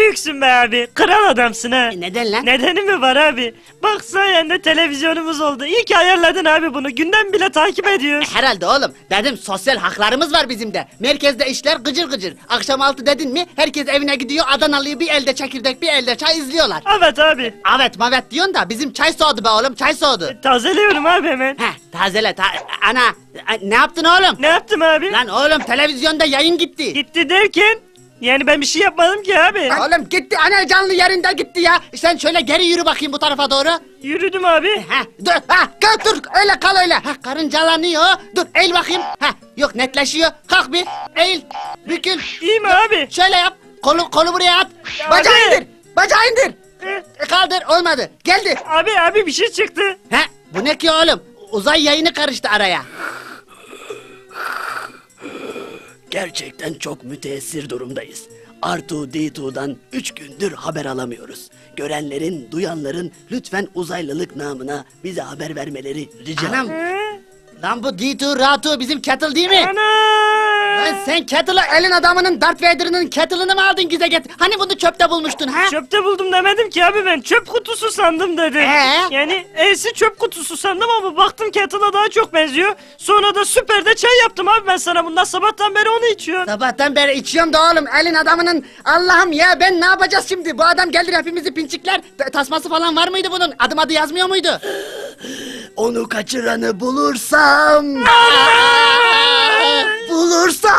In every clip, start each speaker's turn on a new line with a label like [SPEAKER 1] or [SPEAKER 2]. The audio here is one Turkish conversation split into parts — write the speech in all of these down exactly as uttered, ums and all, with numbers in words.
[SPEAKER 1] büyüksün be abi. Kral adamsın ha.
[SPEAKER 2] E, neden lan?
[SPEAKER 1] Nedeni mi var abi? Bak sayende televizyonumuz oldu. İyi ki ayarladın abi bunu. Gündem bile takip ediyoruz.
[SPEAKER 2] Herhalde oğlum. Dedim sosyal haklarımız var bizim de. Merkezde işler gıcır gıcır. Akşam altı dedin mi herkes evine gidiyor. Adanalı'yı bir elde çekirdek bir elde çay izliyorlar.
[SPEAKER 1] Evet abi.
[SPEAKER 2] Evet mavet diyorsun da bizim çay soğudu be oğlum çay soğudu.
[SPEAKER 1] Tazeliyorum abi hemen.
[SPEAKER 2] Heh tazele ta ana ne yaptın oğlum?
[SPEAKER 1] Ne yaptım abi?
[SPEAKER 2] Lan oğlum televizyonda yayın gitti.
[SPEAKER 1] Gitti derken? Yani ben bir şey yapmadım ki abi.
[SPEAKER 2] Oğlum gitti ana canlı yerinde gitti ya. Sen şöyle geri yürü bakayım bu tarafa doğru.
[SPEAKER 1] Yürüdüm abi.
[SPEAKER 2] Ha dur ha kal dur öyle kal öyle. Ha karıncalanıyor. Dur eğil bakayım. Ha yok netleşiyor. Kalk bir eğil bükül.
[SPEAKER 1] İyi mi abi?
[SPEAKER 2] Şöyle yap. Kolu kolu buraya at.
[SPEAKER 1] Ya
[SPEAKER 2] Bacağı
[SPEAKER 1] abi.
[SPEAKER 2] indir. Bacağı indir.
[SPEAKER 1] Eh,
[SPEAKER 2] E, kaldır olmadı. Geldi.
[SPEAKER 1] Abi abi bir şey çıktı.
[SPEAKER 2] Ha bu ne ki oğlum? Uzay yayını karıştı araya.
[SPEAKER 3] Gerçekten çok müteessir durumdayız. Artu Ditu'dan üç gündür haber alamıyoruz. Görenlerin, duyanların lütfen uzaylılık namına bize haber vermeleri rica
[SPEAKER 2] Anam.
[SPEAKER 1] He?
[SPEAKER 2] Lan bu Ditu Ratu bizim kettle değil mi?
[SPEAKER 1] Ana!
[SPEAKER 2] Lan sen kettle'ı elin adamının Darth Vader'ının kettle'ını mı aldın gizle get? Hani bunu çöpte bulmuştun ha?
[SPEAKER 1] Çöpte buldum demedim ki abi ben çöp kutusu sandım dedim.
[SPEAKER 2] Ee?
[SPEAKER 1] Yani E'si çöp kutusu sandım ama baktım kettle'a daha çok benziyor. Sonra da süperde çay yaptım abi ben sana bundan sabahtan beri onu içiyorum.
[SPEAKER 2] Sabahtan beri içiyorum da oğlum elin adamının Allah'ım ya ben ne yapacağız şimdi? Bu adam gelir hepimizi pinçikler. T- Tasması falan var mıydı bunun? Adım adı yazmıyor muydu?
[SPEAKER 3] Onu kaçıranı bulursam... bulursam...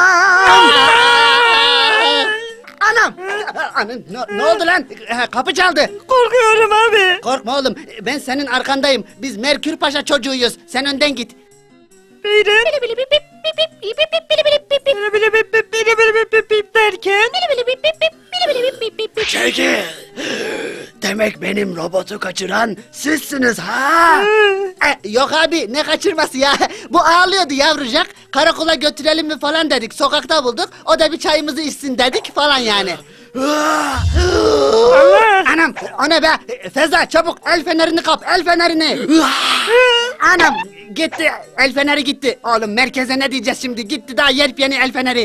[SPEAKER 2] Anam! Anam ne, ne oldu lan? Ha, Kapı çaldı.
[SPEAKER 1] Korkuyorum abi.
[SPEAKER 2] Korkma oğlum ben senin arkandayım. Biz Merkür Paşa çocuğuyuz. Sen önden git.
[SPEAKER 1] Beyler. Bili bili bip bip bili bili bip bip bip derken.
[SPEAKER 3] Çekil! Demek benim robotu kaçıran sizsiniz ha?
[SPEAKER 2] E, yok abi ne kaçırması ya. Bu ağlıyordu yavrucak. Karakola götürelim mi falan dedik. Sokakta bulduk. O da bir çayımızı içsin dedik falan yani.
[SPEAKER 1] Allah.
[SPEAKER 2] Anam o ne be? E, Feza çabuk el fenerini kap el fenerini. Anam gitti el feneri gitti. Oğlum merkeze ne diyeceğiz şimdi? Gitti daha yepyeni el feneri.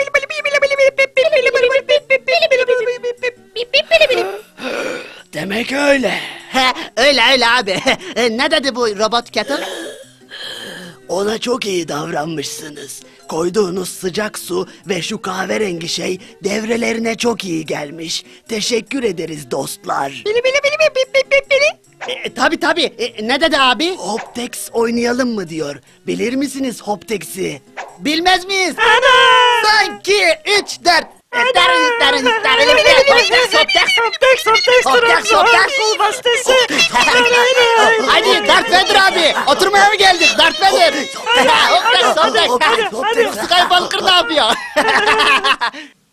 [SPEAKER 3] Demek öyle.
[SPEAKER 2] He, öyle öyle abi. E, ne dedi bu robot kettle?
[SPEAKER 3] Ona çok iyi davranmışsınız. Koyduğunuz sıcak su ve şu kahverengi şey devrelerine çok iyi gelmiş. Teşekkür ederiz dostlar.
[SPEAKER 2] E, tabi tabi. E, ne dedi abi?
[SPEAKER 3] Hoptex oynayalım mı diyor. Bilir misiniz Hoptex'i?
[SPEAKER 2] Bilmez miyiz?
[SPEAKER 1] Ana.
[SPEAKER 2] Sanki üç dört.
[SPEAKER 1] Hoptex, Hoptex, Hoptex,
[SPEAKER 2] Hoptex, Hoptex.
[SPEAKER 1] Kol bastesi.
[SPEAKER 2] Hadi Darth Vader abi. Oturmaya mı geldik Darth Vader? Hoptex,
[SPEAKER 1] hadi,
[SPEAKER 2] Hoptex.
[SPEAKER 1] hadi, hadi.
[SPEAKER 2] Skype Walker ne yapıyor?